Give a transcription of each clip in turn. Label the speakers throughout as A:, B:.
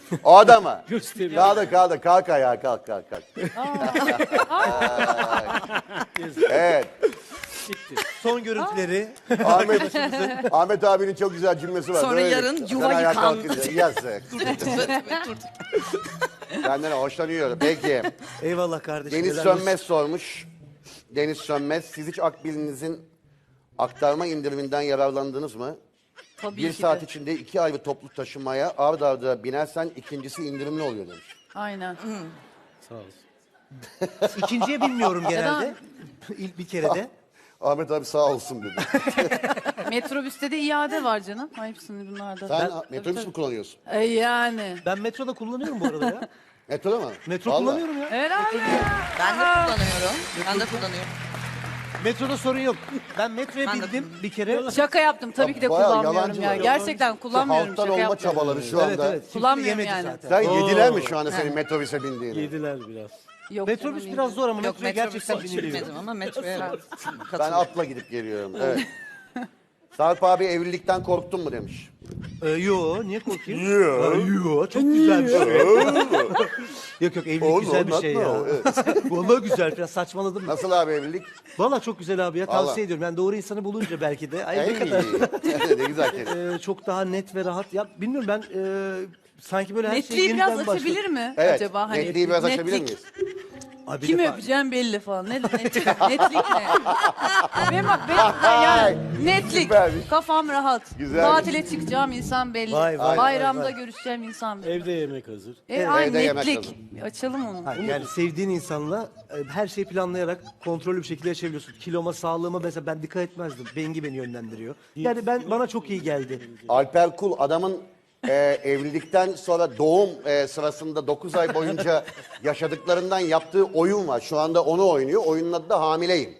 A: O adama.
B: Gösteriyor.
A: Kaldır. Kalk ayağa. Kalk. Evet.
C: Son görüntüleri.
A: Ahmet abinin çok güzel cümlesi var.
D: Sonra
A: Böyle.
D: yarın
A: Sen
D: yuva
A: ayağa
D: yıkan.
A: kalkınca, Yazık. Senden hoşlanıyorum. Peki.
C: Eyvallah kardeşim.
A: Deniz
C: helal olsun.
A: Sönmez sormuş. Deniz Sönmez. Siz hiç Akbil'inizin aktarma indiriminden yararlandınız mı?
D: Tabii
A: Bir
D: ki
A: saat
D: de.
A: içinde 2 ayrı toplu taşımaya ard arda binersen ikincisi indirimli oluyor demiş.
B: Aynen.
E: Sağ olsun.
C: İkinciye bilmiyorum genelde. İlk bir kere de.
A: Ahmet abi sağ olsun dedi.
B: Metrobüste de iade var canım. Hepsini bunlarda.
A: Sen metrobüs mü kullanıyorsun?
B: Yani.
C: Ben metroda kullanıyorum bu arada ya.
A: Metroda mı?
C: Metro
A: Vallahi.
C: kullanıyorum ya.
B: Herhalde.
D: Ben de kullanıyorum. Ben de kullanıyorum.
C: Metroda sorun yok. Ben metroya
D: Ben de
C: bindim bir kere.
B: Şaka yaptım. Tabii ki de
A: Bayağı
B: kullanmıyorum
A: yalancı
B: ya.
A: var.
B: Gerçekten kullanmıyorum.
A: Halktan
B: Şaka
A: olma
B: yapmıyorum.
A: çabaları şu anda.
C: Evet evet. Kimse
B: Kullanmıyorum
C: yemedi
B: yani.
C: zaten.
A: Sen yediler mi şu anda senin metrobüse bindiğini?
E: Yediler biraz.
B: Yok,
C: Metrobüs
B: canım,
C: biraz zor ama
D: Yok
C: metroya
D: metrobüse
C: gerçekten
D: hiç
C: biniliyor.
D: binmedim ama metroya evet.
A: Ben
D: Katılıyorum.
A: atla gidip geliyorum. Evet. Sarp abi evlilikten korktun mu demiş.
C: Yo niye korkayım? Yo çok güzel bir şey. Yok evlilik güzel bir şey ya. Vallahi güzel biraz saçmaladım.
A: Nasıl abi evlilik?
C: Vallahi çok güzel abi ya
A: Vallahi.
C: tavsiye ediyorum. Yani doğru insanı bulunca belki de. Ay ne
A: Ey,
C: kadar
A: ne güzel kelime.
C: çok daha net ve rahat. Ya bilmiyorum ben sanki böyle her şey
B: Netliği
C: yeniden
B: biraz
C: başlıyor.
B: açabilir mi
A: Evet.
B: acaba? Hani
A: Netliği biraz açabilir
B: netlik.
A: miyiz?
C: Abi bir
B: Kimi
C: defa-
B: öpeceğim belli falan. Netlik ne? Benim yani netlik.
A: Süpermiş.
B: Kafam rahat.
A: Güzelmiş.
B: Tatile çıkacağım insan belli.
C: Vay,
B: Bayramda
C: vay.
B: görüşeceğim insan belli.
E: Evde yemek hazır.
B: Ay
A: Evde yemek
B: netlik. Açalım onu.
C: Hayır, yani sevdiğin insanla her şeyi planlayarak kontrollü bir şekilde yaşayabiliyorsun. Kiloma, sağlığıma mesela ben dikkat etmezdim. Bengi beni yönlendiriyor. Yani bana çok iyi geldi.
A: Alper Kul adamın evlilikten sonra doğum sırasında 9 ay boyunca yaşadıklarından yaptığı oyun var. Şu anda onu oynuyor. Oyunun adı da Hamileyim.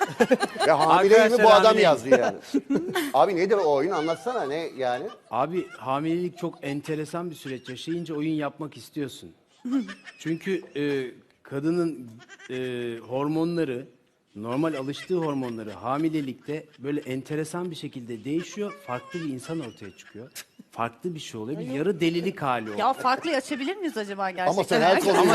A: Ve hamileyimi
E: Arkadaşlar,
A: bu adam
E: hamileyim.
A: yazdı yani. Abi nedir o oyun? Anlatsana ne yani?
E: Abi hamilelik çok enteresan bir süreç. Yaşayınca oyun yapmak istiyorsun. Çünkü kadının hormonları, normal alıştığı hormonları hamilelikte böyle enteresan bir şekilde değişiyor. Farklı bir insan ortaya çıkıyor. Farklı bir şey oluyor. Bir yarı delilik hali oluyor.
B: Ya farklı açabilir miyiz acaba gerçekten?
A: Ama sen her konuyu...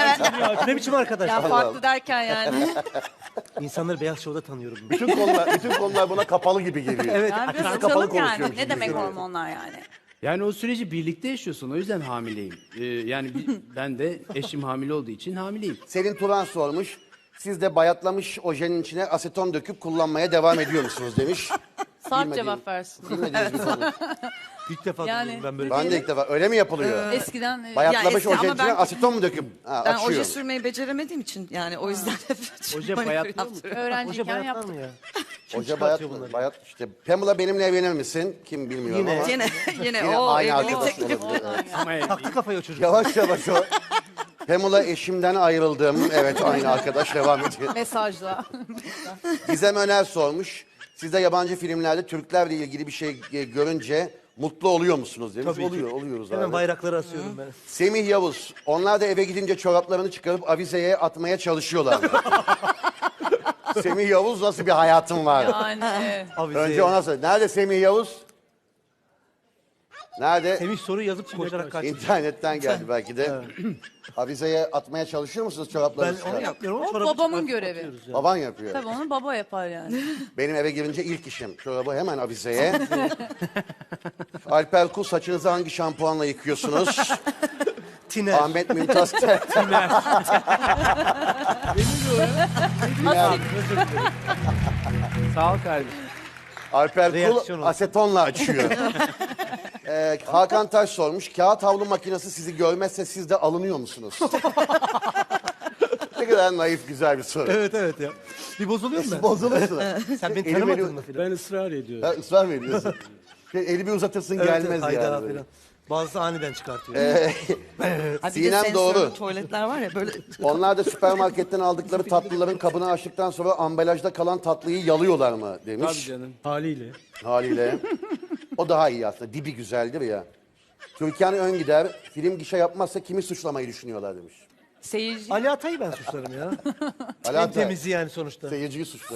C: Ne biçim arkadaş?
B: Ya farklı derken yani.
C: İnsanları Beyaz Show'da tanıyorum.
A: bütün konular buna kapalı gibi geliyor.
C: Evet.
B: Yani biraz
A: Açık kapalı
B: açalım yani.
A: konuşuyormuş
B: Ne
A: gibi
B: demek
A: geliyor.
B: hormonlar yani?
E: Yani o süreci birlikte yaşıyorsun. O yüzden hamileyim. Yani ben de eşim hamile olduğu için hamileyim.
A: Selin Turan sormuş. Siz de bayatlamış ojenin içine aseton döküp kullanmaya devam ediyor musunuz demiş.
B: Sarp
A: Bilmediğim-
B: cevap versin.
A: Bilmediğiniz bir konu.
C: İlk defa
B: Yani-
C: duyuyorum ben böyle.
A: Ben de ilk defa. Öyle mi yapılıyor?
B: Eskiden
A: Bayatlamış
D: eski
A: ojenin
D: ama
A: içine
D: ben-
A: aseton mu döküp
D: Ben
A: açıyor?
D: oje sürmeyi beceremediğim için yani o yüzden hep
E: Oje bayatlıyor mu?
C: Hoca
B: öğrenciyken
C: bayatlar
B: yaptık.
C: mı ya?
A: Hoca bayat,
C: çıkartıyor bunları?
A: bayat işte. Pamela benimle evlenir misin? Kim bilmiyorum
C: Yine.
A: ama.
D: Yine
A: Yine
D: o
A: aynı
D: evlilik
A: arkadaş
D: teklifi.
A: olabilir. Evet.
E: Ama
C: Taktı kafayı o çocuk.
A: Yavaş yavaş o. Pamela eşimden ayrıldım. Evet aynı arkadaş devam ediyor.
B: Mesajla.
A: Gizem Öner sormuş. Siz de yabancı filmlerde Türklerle ilgili bir şey görünce mutlu oluyor musunuz demiş.
C: Tabii ki.
A: Oluyoruz
C: Hemen
A: abi.
C: bayrakları asıyorum ben.
A: Semih Yavuz. Onlar da eve gidince çoraplarını çıkarıp avizeye atmaya çalışıyorlar. Semih Yavuz nasıl bir hayatın var?
B: Yani evet.
C: Avize.
A: Önce ona sor. Nerede Semih Yavuz? Nerede?
C: Semih soru yazıp koşarak kaçtı.
A: İnternetten geldi belki de. Avizeye atmaya çalışıyor musunuz
C: Ben
A: çoraplarınızı?
C: onu yapmıyorum ama
B: O
C: çorabı
B: babamın
C: çıkartıp
B: görevi.
C: atıyoruz ya.
A: Baban yapıyor.
B: Tabii onu baba yapar yani.
A: Benim eve girince ilk işim. Çorabı hemen avizeye. Alper Kul saçınızı hangi şampuanla yıkıyorsunuz?
C: Tiner.
A: Ahmet Mümtaz
E: sağ ol kardeşim.
A: Alper Kul
C: Reaksiyon oldu.
A: asetonla açıyor. Hakan Taş sormuş. Kağıt havlu makinesi sizi görmezse siz de alınıyor musunuz? Ne kadar naif güzel bir soru.
C: Evet evet ya. Bir bozuluyor mu ben?
A: Bozulursun.
C: Sen beni
A: Eli
C: tanımadın
A: beni-
C: mı filan?
E: Ben ısrar ediyorum.
A: Ha, ısrar mı ediyorsun? Eli bir uzatırsın
C: Evet,
A: gelmez
C: hayda
A: yani. böyle.
C: filan. Bazısı aniden çıkartıyor.
D: Ha, bir de
A: Sinem
D: sensörlü
A: doğru.
D: tuvaletler var ya böyle.
A: Onlar da süpermarketten aldıkları tatlıların kabını açtıktan sonra ambalajda kalan tatlıyı yalıyorlar mı
E: Tabii
A: demiş.
E: canım. Haliyle.
A: Haliyle. O daha iyi aslında. Dibi güzeldir ya. Türkan Öngider film gişe yapmazsa kimi suçlamayı düşünüyorlar demiş.
B: Seyirci.
C: Ali Atay'ı ben suçlarım ya.
A: Ali
C: En
A: Atay,
C: temizi yani sonuçta.
A: seyirciyi suçluyor.